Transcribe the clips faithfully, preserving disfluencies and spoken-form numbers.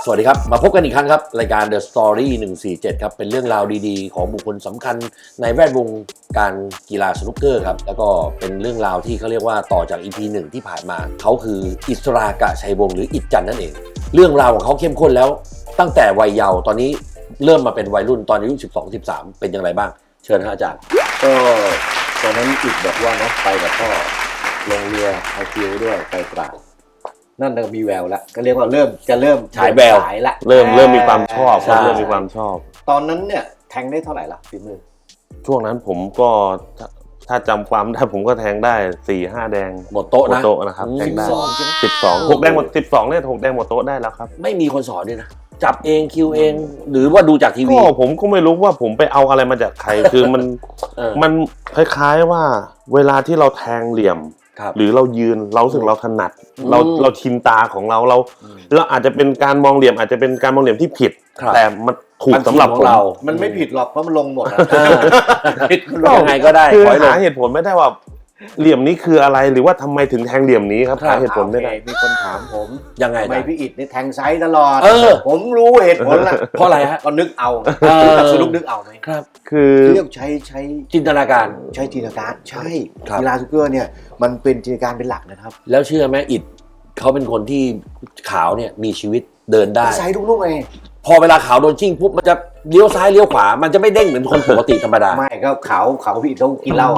สวัสดีครับมาพบกันอีกครั้งครับรายการ The Story หนึ่งสี่เจ็ดครับเป็นเรื่องราวดีๆของบุคคลสำคัญในแวดวงการกีฬาสนุกเกอร์ครับแล้วก็เป็นเรื่องราวที่เขาเรียกว่าต่อจาก อี พี หนึ่งที่ผ่านมาเขาคืออิสรากะชัยวงศ์หรืออิจจันนั่นเองเรื่องราวของเขาเข้มข้นแล้วตั้งแต่วัยเยาว์ตอนนี้เริ่มมาเป็นวัยรุ่นตอนอายุ สิบสอง สิบสาม เป็นอย่างไรบ้างเชิญครับอาจารย์ก็ตอนนั้นอิจบอกว่านะไปกับพ่อลงเรือไอคิวด้วยไปตราดนั่นก็มีแววแล้วก็เรียกว่าเริ่มจะเริ่มฉายแววละเริ่มเริ่มมีความชอบเริ่มมีความชอบตอนนั้นเนี่ยแทงได้เท่าไหร่ละฝีมือช่วงนั้นผมก็ถ้าจำความได้ผมก็แทงได้ สี่ห้า แดงหมดโต๊ะนะหมดโต๊ะนะครับแทงได้สิบสอง หกแดงหมดสิบสองเนี่ยหกแดงหมดโต๊ะได้แล้วครับไม่มีคนสอนด้วยนะจับเองคิวเองหรือว่าดูจากทีวีก็ผมก็ไม่รู้ว่าผมไปเอาอะไรมาจากใครคือมันมันคล้ายๆว่าเวลาที่เราแทงเหลี่ยมหรือเรายืนเรารู้สึกเราถนัดเราเราชินตาของเราเราเราอาจจะเป็นการมองเหลี่ยมอาจจะเป็นการมองเหลี่ยมที่ผิดแต่มันถูกสำหรับเรามันไม่ผิดหรอกเพราะมันลงหมดผิดยังไงก็ได้คือหาเหตุผลไม่ได้ว่าเหลี่ยมนี้คืออะไรหรือว่าทำไมถึงแทงเหลี่ยมนี้ครับหาเหตุผลไม่ได้มีคนถามผมยังไงทำไมพี่อิฐนี่แทงไซส์ตลอดผมรู้เหตุผลละเพราะอะไรฮะก็นึกเอาสรุปนึกเอาไหมครับคือเรียกใช้ใช้จินตนาการใช้จินตนาการใช่กีฬาสนุกเกอร์เนี่ยมันเป็นจินตนาการเป็นหลักนะครับแล้วเชื่อไหมอิฐเขาเป็นคนที่ขาวเนี่ยมีชีวิตเดินได้ไซส์ทุกลูกเองพอเวลาขาวโดนชิ่งปุ๊บมันจะเลี้ยวซ้ายเลี้ยวขวามันจะไม่เด้งเหมือนคนปกติธรรมดาไม่ก็ขาวขาวพี่ต้องกินเหล้า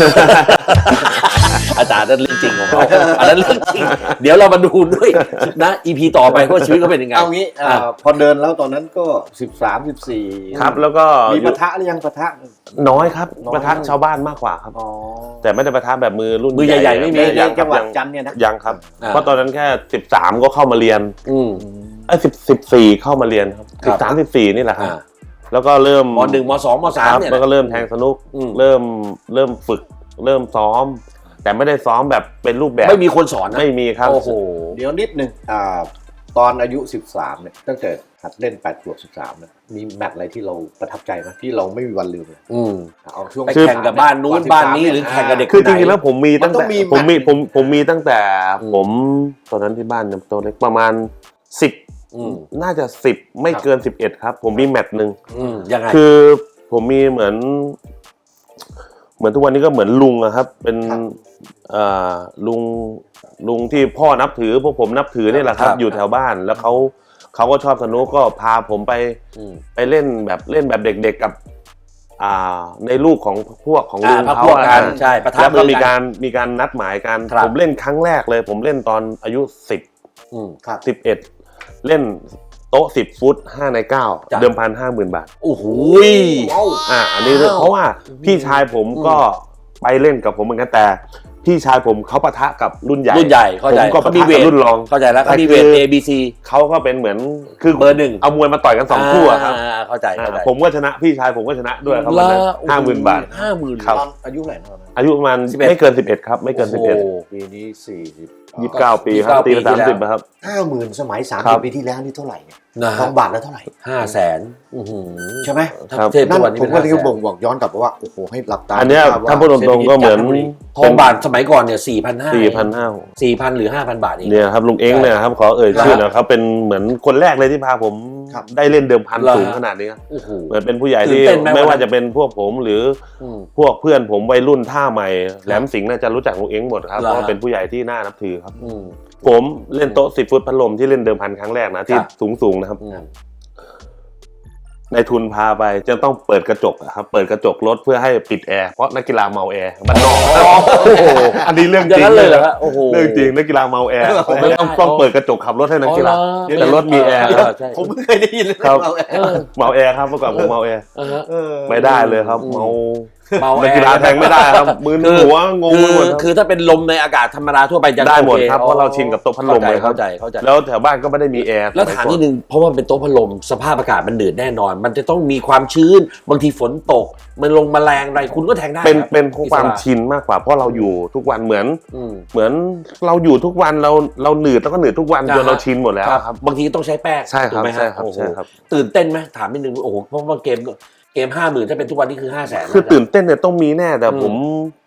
อาจารย์นั่นเรื่องจริงของเขาอันนั้นเรื่องจริงเดี๋ยวเรามาดูด้วยนะ อี พี ต่อไปว่าชีวิตเขาเป็นยังไงเอางี้พอเดินแล้วตอนนั้นก็สิบสาม สิบสี่ครับแล้วก็มีปะทะหรือยังปะทะน้อยครับปะทะชาวบ้านมากกว่าครับแต่ไม่ได้ปะทะแบบมือรุ่นมือใหญ่ๆไม่มียังจังหวัดจันทร์เนี่ยนะยังครับเพราะตอนนั้นแค่สิบสามก็เข้ามาเรียนอืมไอ้สิบ สิบสี่เข้ามาเรียนครับสิบสาม สิบสี่นี่แหละครับแล้วก็เริ่มม.หนึ่ง ม.สอง ม.สามเนี่ยแล้วก็เริ่มแทงสนุกเริ่มเริ่มฝึกเริ่มซ้อมแต่ไม่ได้ซ้อมแบบเป็นรูปแบบไม่มีคนสอนนะไม่มีครับโอ้โหเดี๋ยวนิดนึงอ่าตอนอายุสิบสามเนี่ยตั้งแต่หัดเล่นแปดขวบสิบสามเนี่ยมีแมตช์อะไรที่เราประทับใจมั้ยที่เราไม่มีวันลืมเลยอืมเอาช่วงไปแข่งกับบ้านนู้นบ้านนี้หรือแข่งกับเด็กคือจริงๆแล้วผมมีตั้งแต่ผมมีผมผมมีตั้งแต่ผมตอนนั้นที่บ้านเนี่ยตัวเล็กประมาณสิบน่าจะสิบไม่เกินสิบเอ็ดครับผมมีแมตช์นึงยังไงคือผมมีเหมือนเหมือนทุกวันนี้ก็เหมือนลุงอะครับเป็นอ่าลุงลุงที่พ่อนับถือพวกผมนับถือนี่แหละครับอยู่แถวบ้านแล้วเขาเขาก็ชอบสนุกก็พาผมไปไปเล่นแบบเล่นแบบเด็กๆกับอ่าในลูกของพวกของลุงเขาใช่แล้วก็มีการมีการนัดหมายกันผมเล่นครั้งแรกเลยผมเล่นตอนอายุสิบสิบเอ็ดเล่นโต๊ะสิบฟุตห้าในเก้าเดิมพัน ห้าหมื่น บาทโอ้โหอ่ะอันนี้เพราะว่าพี่ชายผมก็ไปเล่นกับผมเหมือนกันแต่พี่ชายผมเขาปะทะกับรุ่นใหญ่รุ่นใหญ่เข้าใจผมก็ปะทะกับรุ่นรองเข้าใจแล้วเขามีเวท A B C เขาก็เป็นเหมือนคือเบอร์หนึ่งเอามวยมาต่อยกันสองคู่ครับเข้าใจเข้าใจผมก็ชนะพี่ชายผมก็ชนะด้วยครับวันนั้น ห้าหมื่น บาทห้าหมื่นครับอายุเท่าไหร่นะอายุประมาณไม่เกินสิบเอ็ดครับไม่เกินสิบเอ็ดปีนี้สี่สิบยี่สิบเก้าปีครับตีสามสิบครับห้าหมื่น สมัยสามสิบปีที่แล้วนี่เท่าไหร่เนี่ยทองบาทแล้วเท่าไหร่ห้าแสน อื้อหือใช่มั้ยนั่นผมก็เลยบ่งบอกย้อนกลับไปว่าโอ้โหให้หลับตาอันนี้ถ้าพูดตรงๆก็เหมือนทองบาทสมัยก่อนเนี่ย สี่พันห้าร้อยสี่พันห้าร้อยสี่พัน หรือ ห้าพัน บาทเองเนี่ยครับลุงเอ็งเนี่ยครับขอเอ่ยชื่อนะครับเป็นเหมือนคนแรกเลยที่พาผมได้เล่นเดิมพันสูงขนาดนี้เหมือนเป็นผู้ใหญ่ที่ไม่ว่าจะเป็นพวกผมหรือพวกเพื่อนผมวัยรุ่นท่าใหม่แหลมสิงห์น่าจะรู้จักลุงเอ็งหมดครับเพราะเป็นผู้ใหญ่ที่น่านับถือครับผมเล่นโต๊ะสิบฟุตพัดลมที่เล่นเดิมพันครั้งแรกนะที่สูงๆนะครับในทุนพาไปจะต้องเปิดกระจกครับเปิดกระจกรถเพื่อให้ปิดแอร์เพราะนักกีฬาเมาแอร์บ้านนอกอันนี้เรื่องจริงเลยเหรอโอ้โหเรื่องจริงนักกีฬาเมาแอร์ไม่ต้องต้องเปิดกระจกขับรถให้นักกีฬาแต่รถมีแอร์ผมไม่เคยได้ยินเลยเมาแอร์เมาแอร์ครับเมื่อก่อนผมเมาแอร์ไม่ได้เลยครับเมาเมานักกีฬาแทงไม่ได้ครับมือหัวงงไปหมดคือถ้าเป็นลมในอากาศธรรมดาทั่วไปจะได้หมดครับเพราะเราชินกับโต๊ะพัดลมเลยเข้าใจเข้าใจแล้วแถวบ้านก็ไม่ได้มีแอร์แล้วถามนิดนึงเพราะว่าเป็นโต๊ะพัดลมสภาพอากาศมันเดือดแน่นอนมันจะต้องมีความชื้นบางทีฝนตกมันลงแมลงอะไรคุณก็แทงได้เป็นเป็นความชินมากกว่าเพราะเราอยู่ทุกวันเหมือนเหมือนเราอยู่ทุกวันเราเราหนืดแล้วก็หนืดทุกวันจนเราชินหมดแล้วครับบางทีต้องใช้แป้งใช่ครับใช่ครับใช่ครับตื่นเต้นไหมถามนิดนึงโอ้โหเพราะว่าเกมเกมห้าหมื่นถ้าเป็นทุกวันนี้คือห้าแสนคือตื่นเต้นเนี่ยต้องมีแน่แต่ผม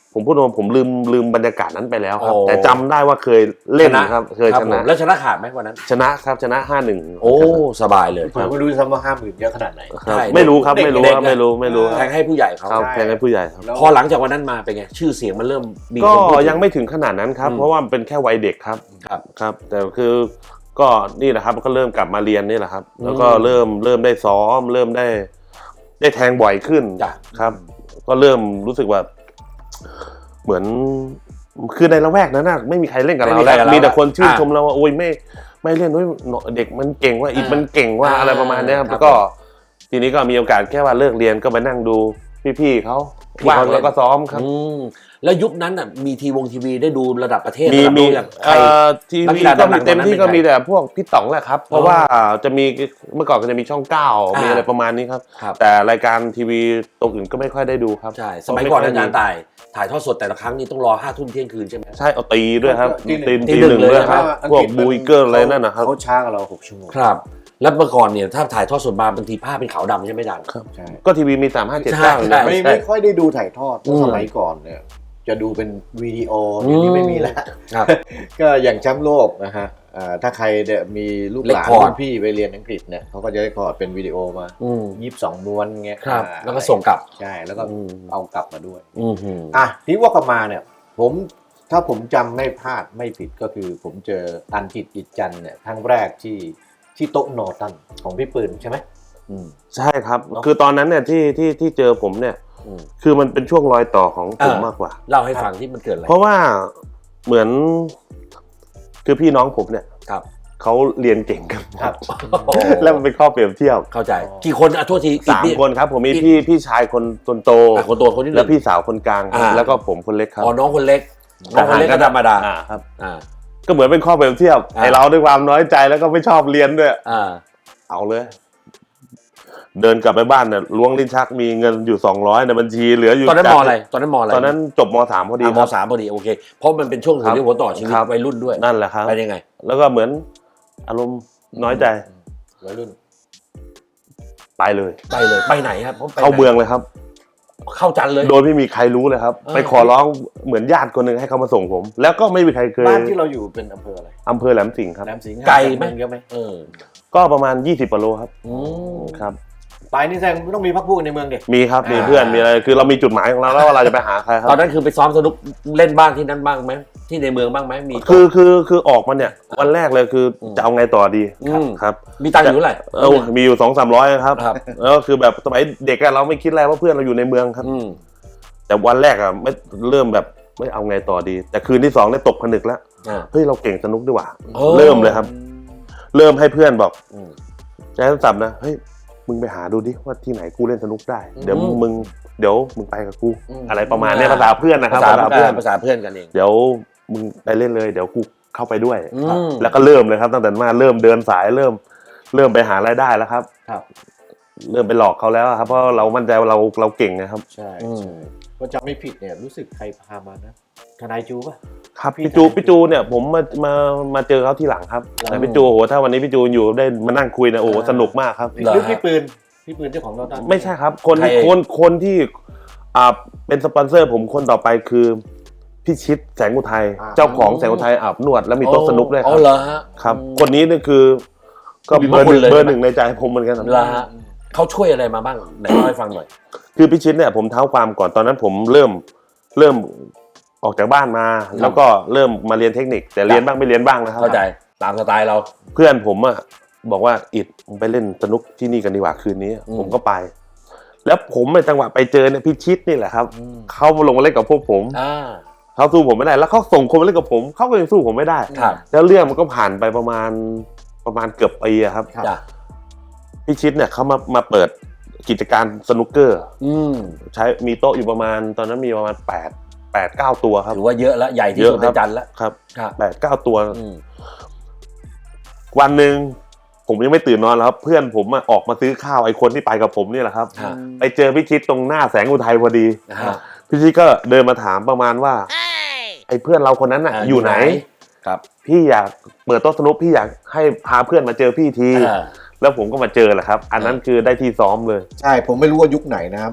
ผมพูดว่าผมลืมลืมบรรยากาศนั้นไปแล้วครับโอ้แต่จำได้ว่าเคยเล่นชนะครับเคยครับชผมนะแล้วชนะขาดไหมวันนั้นชนะครับชนะห้าหนึ่งโอ้สบายเลยผมไม่รู้ซ้ำว่าห้าหมื่นเยอะขนาดไหนครับใช่ไม่รู้ครับเด็กไม่รู้เด็กครับนะไม่รู้ไม่รู้แทงให้ผู้ใหญ่เขาครับใช่แทงให้ผู้ใหญ่ครับแล้วพอหลังจากวันนั้นมาเป็นไงชื่อเสียงมันเริ่มมีก็คนพูดถึยังไม่ถึงขนาดนั้นครับอืมเพราะว่ามันเป็นแค่วัยเด็กครับครับครับ แต่คือก็นี่แหละครับก็เริ่มกลับมาเรียนนี่แหละครับ แล้วก็เริ่มเริ่มได้ซ้อม เริ่มได้ ได้แทงบ่อยขึ้นจ้ะครับ ก็เริ่มรู้สึกว่า เหมือนคือในละแวกนั้นน่ะไม่มีใครเล่นกับเราไม่มีใครแล้วกับเรามีแต่คนชื่นอ่าชมเราว่าโอ้ยไม่ไม่เล่นด้วยเด็กมันเก่งว่าอีกอ่ามัมันเก่งว่าอ่าอะไรประมาณเนี้ยครับครับแล้วก็ทีนี้ก็มีโอกาสแค่ว่าเลิกเรียนก็มานั่งดูพี่ๆเขาพี่ว่างเขาเล่นแล้วก็ซ้อมครับอืมแล้วยุคนั้นน่ะมีทีวงทีวีได้ดูระดับประเทศมีระดับมีโลกอย่างใครเอ่อทีนักวีกีฬาก็ดัมีงๆเต็มที่ตอนนั้นเป็นก็มีใครแต่พวกพี่ต๋องแหละครับ เพราะว่าจะมีเมื่อก่อนก็จะมีช่องเก้าอ่ามีมีอะไรประมาณนี้ครับครับแต่รายการทีวีตรงอื่นก็ไม่ค่อยได้ดูครับใช่สมัยก่อนอาจารย์ต่ายถ่ายทอดสดแต่ละครั้งนี่ต้องรอห้าทุ่มเที่ยงคืนใช่ไหมใช่เอาตีด้วยครับตีตีหนึ่งตีตีหนึ่หนึ่งงเลยด้วยครับอังพวกฤษบูยเกอร์อะไรนั่นนะครับเขาช้ากว่าเราหกชั่วโมงครับ แล้วเมื่อก่อนเนี่ยถ้าถ่ายทอดสดมาบางทีภาพเป็นขาวดำใช่ไหมอาจารย์ครับใช่ก็ทีวีมีสามห้าเจ็ดใช่เก้าใช่ไม่ใช่ไม่ค่อยได้ดูถ่ายทอดเพอืราะมสมัยก่อนเนี่ยจะดูเป็นวิดีโอเดี๋ยวนี้ไม่มีแล้วครับก็อย่างแชมป์โลกนะฮะอ่าถ้าใครเนี่ยมีลูกหลาน Record รุ่นพี่ไปเรียนอังกฤษเนี่ยเขาก็จะได้คอร์ดเป็นวิดีโอมาอืมยี่สิบสองม้วนเงี้ยครับอ่าแล้วก็ส่งกลับใช่แล้วก็อืมเอากลับมาด้วยอืมหืมอ่ะที่ว่ากลับมาเนี่ยผมถ้าผมจำไม่พลาดไม่ผิดก็คือผมเจออันจิตอิจจันทร์เนี่ยครั้งแรกที่ที่โต๊ะโนตันของพี่ปืนใช่ไหมอืมใช่ครับเนอะคือตอนนั้นเนี่ยที่ที่ที่เจอผมเนี่ยอืมคือมันเป็นช่วงรอยต่อของผมอ่ามมากกว่าเล่าให้ฟังที่มันเกิดอะไรเพราะว่าเหมือนคือพี่น้องผมเนี่ยครับเขาเรียนเก่งกันหมดครับแล้วมันเป็นข้อเปรียบเทียบเข้าใจ กี่คนอ่ะโทษทีสามคนครับ ผมมีพี่พี่ชายคนคนโตอ่ะคนโตคนที่หแล้นึ่วงพี่สาวคนกลางครับอ่าแล้วก็ผมคนเล็กครับอ๋อน้องคนเล็กน้องคนเล็กก็ธรรมดาอ่าครับอ่าก็เหมือนเป็นข้อเปรียบเทียบอ่าไอเราด้วยความน้อยใจแล้วก็ไม่ชอบเรียนด้วยอ่าเอาเลย เดินกลับไปบ้านเนี่ยล้วงลิ้นชักมีเงินอยู่สองร้อยในบัญชีเหลืออยู่ตอนนั้นจากมอะไรตอนนั้นมอะไรตอนนั้นจบมสามพอดีอ่ะคมรับสามพอดีโอเค เพราะมันเป็นช่วงหัวเรียวหัวต่อชีวิตครับวัยรุ่นด้วยนั่นแหละครับเป็นยังไงแล้วก็เหมือนอารมณ์น้อยใจวัยรุ่นไปเลยไปเลยไปไหนครับไปไหนเข้าเมืองเลยครับเข้าจันทร์เลยโดยไม่มีใครรู้เลยครับเออไปขอร้องเหมือนญาติคนหนึ่งให้เขามาส่งผม แล้วก็ไม่มีใครเคยบ้านที่เราอยู่เป็นอำเภออะไรอำเภอแหลมสิงห์ครับแหลมสิงห์ไกลไหมเยอะไหมเออก็ประมาณยี่สิบกิโลครับอืมครับไปนี่แสดงไม่ต้องมีพักพวกในเมืองเด็กมีครับมีอ่าเพื่อนมีอะไรคือเรามีจุดหมายของเราแล้วว่าเราจะไปหาใครครัตอบ นนั้นคือไปซ้อมสนุกเล่นบ้างที่นั่นบ้างไหมที่ในเมืองบ้างไหมมีคือคือคือออกมาเนี่ยวันแรกเลยคืออมจะเอาไงต่อดีอืมครับมีตังค์อยู่เท่าไหร่เออมีอยู่สองสามร้อยครับครับแล้วก็คือแบบสมัยเด็กอะเราไม่คิดอะไรว่าเพื่อนเราอยู่ในเมืองครับอืมแต่วันแรกอะไม่เริ่มแบบไม่เอาไงต่อดี แต่คืนที่สองเนี่ยตกผนึกแล้วอ่าเฮ้ยเราเก่งสนุกดีกว่าเออเริ่มเลยครับ เริ่มให้เพื่อนบอกอืมใช้โทรศัพท์นะเฮ้ยมึงไปหาดูดิว่าที่ไหนกูเล่นสนุกได้ เดี๋ยวอืมมึงเดี๋ยวมึงไปกับกูอืมอะไรประมาณเนี้ยภาษาเพื่อนนะครับภาษาภาษาเพื่เพื่ออน นภาษาเพื่อนกันเองเดี๋ยวมึงไปเล่นเลยเดี๋ยวกูเข้าไปด้วยอืมแล้วก็เริ่มเลยครับตั้งแต่มาเริ่มเดินสายเริ่ม เริ่มไปหารายได้แล้วครับครับเริ่มไปหลอกเขาแล้วครับเพราะเรามั่นใจว่าเราเราเก่งนะครับใช่อืมใช่ก็จำไม่ผิดเนี่ยรู้สึกใครพามานะทนายจูป่ะครับพี่พี่จูทำพี่จูเนี่ยผมมามามาเจอเขาที่หลังครับหลังแต่พี่จูโอ้โหถ้าวันนี้พี่จูอยู่ได้มานั่งคุยนะโอ้โหอ่าสนุกมากครับเหรอหรือพี่ปืนพี่ปืนเจ้าของโนตันไม่ใช่ครับ คนใครเองคนคนที่อ่าเป็นสปอนเซอร์ผมคนต่อไปคือพี่ชิดแสงอุทัยเจ้าของแสงอุทัยอาบนวดแล้วมีโต๊ะสนุกด้วยคอ๋รัอบ เหรอฮะครับอืมคนนี้นี่คือก็มีเบอร์หนึ่งพระคุณเลยเบอร์หนึ่งในใจผมเหมือนกันครับเหรอฮะเขาช่วยอะไรมาบ้างไหนเล่าให้ฟังหน่อยคือพี่ชิดเนี่ยผมเท้าความก่อนตอนนั้นผมเริ่มเริ่มออกจากบ้านมา แล้วก็เริ่มมาเรียนเทคนิค แต่เรียนบ้างไม่เรียนบ้างนะครับเข้าใจตามสไตล์เราเพื่อนผมอะบอกว่าอิดมึงไปเล่นสนุกที่นี่กันดีกว่าคืนนี้อืมผมก็ไป แล้วผมในจังหวะไปเจอเนี่ยพี่ชิดนี่แหละครับอืมเขามาลงมาเล่นกับพวกผมอ่าเขาสู้ผมไม่ได้ แล้วเขาส่งคนมาเล่นกับผมเขาก็ยังสู้ผมไม่ได้ครับแล้วเรื่องมันก็ผ่านไปประมาณประมาณเกือบปีอะครับครับจ้ะพี่ชิดเนี่ยเขามามาเปิดกิจการสนุกเกอร์อืมใช้มีโต๊ะอยู่ประมาณตอนนั้นมีประมาณแปดแปดเก้าตัวครับถือว่าเยอะแล้วใหญ่ที่เยอะสุดคในรับจันทร์แล้วครับครับแปดเก้าตัวอืมวันหนึ่งผมยังไม่ตื่นนอนแล้วครับเพื่อนผมอะออกมาซื้อข้าวไอ้คนที่ไปกับผมนี่แหละครับฮะไปเจอพี่ชิดตรงหน้าแสงอุทัยพอดีฮะพี่ชิดก็เดินมาถามประมาณว่าไอ้เพื่อนเราคนนั้นน่ะอ่าอยู่ไหนครับพี่อยากเปิดโต๊ะสนุกพี่อยากให้พาเพื่อนมาเจอพี่ทีอ่าแล้วผมก็มาเจอแหละครับ อันนั้นคือได้ที่ซ้อมเลยใช่ผมไม่รู้ว่ายุคไหนนะครับ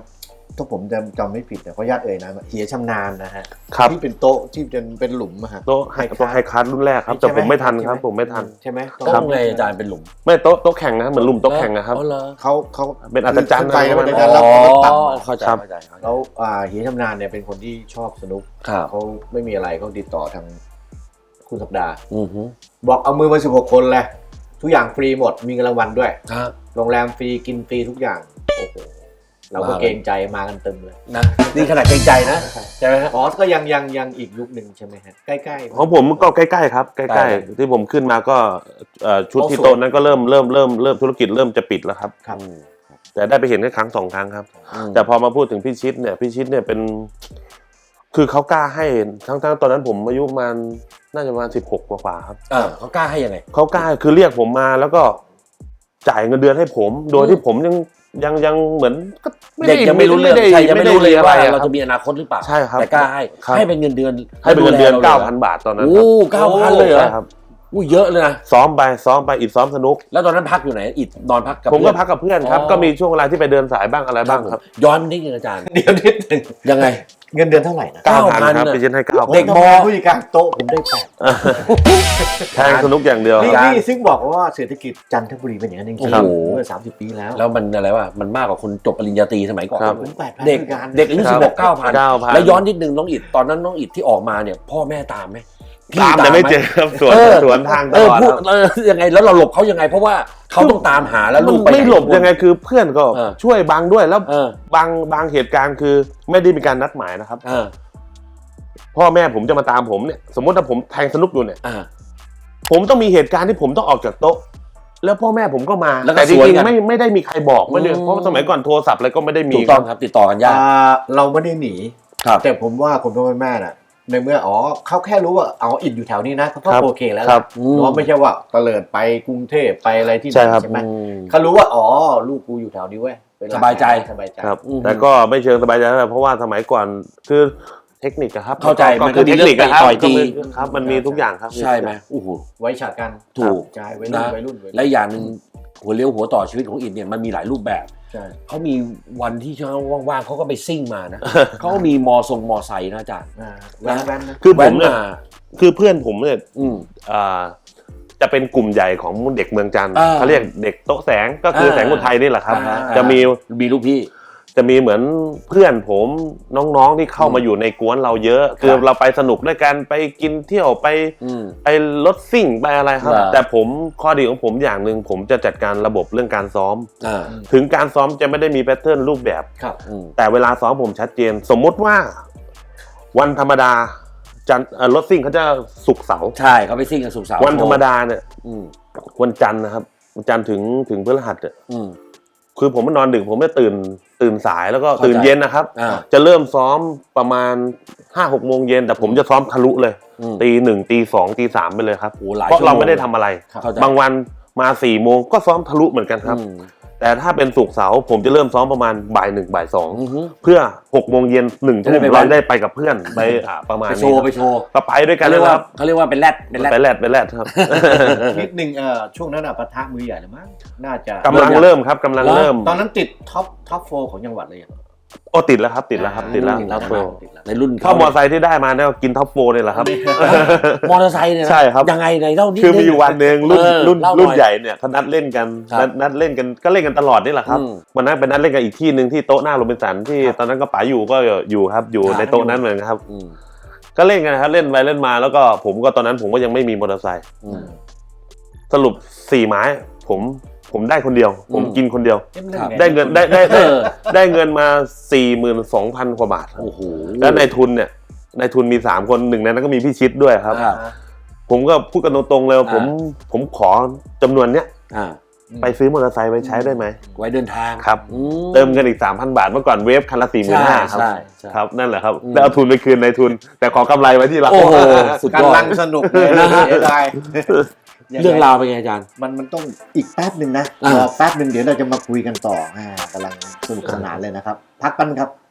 ถ้าผมจำจำไม่ผิดเนี่ยขออนุญาตเอ่ยนะเหียชำนาญนะฮะครับที่เป็นโต๊ะที่เป็นเป็นหลุมอะฮะโต๊ะไฮโต๊ะไฮคัสรุ่นแรกครับแต่ผมไม่ทันครับผมไม่ทันใช่ไหมโต๊ะไงอาจารย์เป็นหลุมไม่โต๊ะโต๊ะแข่งนะเหมือนหลุมโต๊ะแข่งนะครับอ๋อเหรอเขาเขาเป็นอัศจรรย์ขึ้นไปแล้วนะเป็นอ๋การรับอแล้วต่ำมาเข้าใจครับเข้าใจเข้าใจแล้วอ่าเหียชำนาญเนี่ยเป็นคนที่ชอบสนุกครับเขาไม่มีอะไรเขาติดต่อทางคุณสัปดาห์อือฮึบอกเอามือมาสิบหกคนเลยทุกอย่างฟรีหมดมีเงินรางวัลด้วยครับโรงแรมฟรีกินฟรีทุกอย่างโอ้โหเราก็ว้าวเกรงใจมากันเต็มเลยนะนี่ขนาดเกรงใจนะใช่ไหมครับอ๋อก็ยังยังยังอีกยุคหนึ่งใช่ไหมฮะใกล้ๆของผมก็ใกล้ๆครับใกใกล้ล้ๆที่ผมขึ้นมาก็เอ่อชุดที่โต๊ะโต๊ะนั้นก็เริ่มเริ่มเริ่มเริ่มธุรกิจเริ่มจะปิดแล้วครับครับอืมแต่ได้ไปเห็นแค่ครั้งสองครั้งครับอืมแต่พอมาพูดถึงพี่ชิดเนี่ยพี่ชิดเนี่ยเป็น คือเขากล้าให้ทั้งทั้งตอนนั้นผมอายุประมาณน่าจะประมาณสิบหกกว่าๆครับเออเขากล้าให้ยังไงเขากล้าคือเรียกผมมาแล้วก็จ่ายเงินเดือนให้ผม โดยที่ผมยังยังยังเหมือนก็เด็กยังไม่รู้เรื่องด้ใช่ยังไม่รู้เลยว่าอะเราคจะบมีอนาคตหรือเปล่าใช่ครับแต่กล้าให้ครับให้เป็นเงินเดือนให้เป็นเงินเดือนดูแลเก้าราพันลยบาทตอนนั้นโอ้เก้าพันเลยเหรอใช่ครับอู้เยอะเลยนะซ้อมไปซ้อมไปอิดซ้อมสนุกแล้วตอนนั้นพักอยู่ไหนอิดนอนพักกับผมก็เพื่อนพักกับเพื่อนครับอ๋อก็มีช่วงเวลาที่ไปเดินสายบ้างอะไรบ้างครับย้อนนิดนึงอาจารย์เดี๋ยวนิดหนึงยังไงเงินเดือนเท่าไหร่นะเก้าพันเก้าพันครับน่ะพี่ชิดให้เก้าพันเด็กผมทำงานผู้จัดการโต๊ะผมได้แปดแทงสนุกอย่างเดียวนี่ครับนี่ซึ่งบอกว่าเศรษฐกิจจันทบุรีเป็นอย่างนั้นจริงครับๆเมื่อสามสิบปีแล้วแล้วมันอะไรวะมันมากกว่าคนจบปริญญาตรีสมัยก่อนครับผมแปดพันเด็กการเด็กอายุครัสิบบหกเก้าพันเก้าพันแล้วย้อนนิดนึงน้องอิดตอนนั้นน้องอิดที่ออกมาเนี่ยพ่อแม่ตามไหมพี่ตามแต่ไม่หเจอครับสวนเออสวนทางตเออลอดพูดครับเออยังไงแล้วเราหลบเขายังไง เพราะว่าเขาต้องตามหาแล้วลูกไปไม่หลบยังไงคือเพื่อนก็เออช่วยบังด้วยแล้วเออบางบางเหตุการณ์คือไม่ได้มีการนัดหมายนะครับเออพ่อแม่ผมจะมาตามผมเนี่ยสมมติถ้าผมแทงสนุกอยู่เนี่ยอ่าผมต้องมีเหตุการณ์ที่ผมต้องออกจากโต๊ะ แล้วพ่อแม่ผมก็มาแล้วก็แต่จสวนริงกันๆไม่ไม่ได้มีใครบอกไม่ได้อืมเพราะสมัยก่อนโทรศัพท์อะไรก็ไม่ได้มีถูกต้องครับติดต่อกันยากอ่าเราไม่ได้หนีครับแต่ผมว่าคุณพ่อคุณแม่น่ะในเมื่ออ๋อเขาแค่รู้ว่าอ๋ออิดอยู่แถวนี้นะเขาก็ครับโอเคแล้วครับเนาะไม่ใช่ว่าเตลิดไปกรุงเทพไปอะไรที่ไหนใช่ครับใช่ไหมอืมเขารู้ว่าอ๋อลูกกูอยู่แถวนี้เว้ยเป็นหลักสบายใจสบายใจครับอืมแต่ก็ไม่เชิงสบายใจเท่าไหร่เพราะว่าสมัยก่อนคือเทคนิคอะครับเข้าใจก็มันก็คือมีเทคนิคอะครับเรื่องต่อยตีก็มันครับมันมีทุกอย่างครับใช่ไหมโอ้โหไว้ฉากกันถูกใช่วัยรุ่นนะวัยรุ่นวัยรุ่นและอย่างหนึ่งหัวเลี้ยวหัวต่อชีวิตของอิดเนี่ยมันมีหลายรูปแบบใช่เขามีวันที่เขาว่างๆเขาก็ไปซิ่งมานะ เขาก็มีมอทรงมอไซค์นะอาจารย์อ่าแว้นแว้นนะคือผแว้มนเนี่ยมาคือเพื่อนผมเนี่ยอืมอ่าจะเป็นกลุ่มใหญ่ของเด็กเมืองจันทร์อ่าเขาเรียกเด็กโต๊ะแสงก็คืออ่าแสงอุทัยนี่แหละครับอ่าจะมีมีลูกพี่จะมีเหมือนเพื่อนผมน้องๆที่เข้ามาอยู่ในกวนเราเยอะ คือเราไปสนุกด้วยกันไปกินเที่ยวไปอืมไปรถซิ่งไปอะไรครับเหรอแต่ผมข้อดีของผมอย่างหนึ่งผมจะจัดการระบบเรื่องการซ้อมอ่าถึงการซ้อมจะไม่ได้มีแพทเทิร์นรูปแบบครับอืมแต่เวลาซ้อมผมชัดเจน สมมุติว่าวันธรรมดาจันทร์เอ่อรถซิ่งเขาจะศุกร์เสาร์ใช่เขาไปซิ่งกันสุกร์เสาร์วันธรรมดาเนี่ยอืมวันจันทร์นะครับวันจันทร์ถึงถึงพฤหัสเนี่ยอืมคือผมมานอนดึกผมจะตื่นตื่นสายแล้วก็เข้าใจตื่นเย็นนะครับอ่าจะเริ่มซ้อมประมาณห้าหกโมงเย็นแต่ผมจะซ้อมทะลุเลยอืมตีหนึ่งตีสองตีสามไปเลยครับโอ้หลายเพราะชั่วโมเรางไม่ได้ทำอะไรเข้าใจบางวันมาสี่โมงก็ซ้อมทะลุเหมือนกันครับอืมแต่ถ้าเป็นศุกร์เสาร์ผมจะเริ่มซ้อมประมาณบ่ายหนึ่งบ่ายสองอือฮึเพื่อหกโมงเย็นหนึ่งจะทุ่ได้มไปวัเรานได้ไปกับเพื่อนไปอ่าประมาณไปนี้โชว์ครับไปโชว์ก็ไปด้วยกันเขาเรียกนะว่าครับเขาเรียกว่าเป็นแรดเป็นแรดไปแลดไปแลดครับนิดนึงเอ่อช่วงนั้นอ่ะปะทะมือใหญ่เลยมั้งน่าจะกำลังเริ่มครับกำลังเริ่มตอนนั้นติดท็อปท็อปโฟของจังหวัดเลยอะโอ้ติดแล้วครับติดแล้วครับติดแล้วติดคแล้รัวบโฟติดแล้วในรุ่นเข้ามอไซค์ที่ได้มาเนี่ยกินท็อปโฟนี่แหละครับมอเตอร์ไซค์เนี่ยนะใช่ครับยังไงในเล่านิดคือมีอยู่วันหนึ่งรุ่นเออรุ่นเล่าหน่อยรุ่นใหญ่เนี่ยเขานัดเล่นกันครับนัดนัดเล่นกันก็เล่นกันตลอดนี่แหละครับอืมวันนั้นเป็นนัดเล่นกันอีกที่หนึ่งที่โต๊ะหน้าโรบินสันที่ครับตอนนั้นก็ป๋าอยู่ก็อยู่ครับอยู่ครับในโต๊ะนั้นเหมือนกันครับอืมก็เล่นกันนะครับเล่นไปเล่นมาแล้วก็ผมก็ตอนนั้นผมก็ยังไม่มีมอเตอร์ไซค์อืมสรุปสี่ไม้ผมผมได้คนเดียว ผมอืมกินคนเดียวเอ๊ะมันเล่นไงได้เงินได้ได้เอได้อได้เงินมาสี่หมื่นสองพันกว่าบาทครับโอ้โหแล้วในทุนเนี่ยในทุนมีสามคนหนึ่งในนั้นก็มีพี่ชิดด้วยครับครับผมก็พูดกันตรงๆเลยว่าอ่าผมผมขอจำนวนเนี้ยอ่าไปซื้อมอเตอร์ไซค์ไปใช้ได้ไหมไว้เดินทางครับอืเติมเงินอีกสามพันบาทเมื่อก่อนเวฟคันละสี่หมื่นใช่ห้าครับใช่ใช่ครับนั่นแหละครับอืมแล้วเอาทุนไปคืนในทุน แต่ขอกำไรไว้ที่เราโอ้โห สุดยอดกำลังสนุกเลยนะเสียดายเรื่องราวเป็นไงอาจารย์มันมันต้องอีกแป๊บหนึ่งนะอ่ารอแป๊บหนึ่งเดี๋ยวเราจะมาคุยกันต่ออ่ากำลังสนุกสนานเลยนะครับ พักกันครับ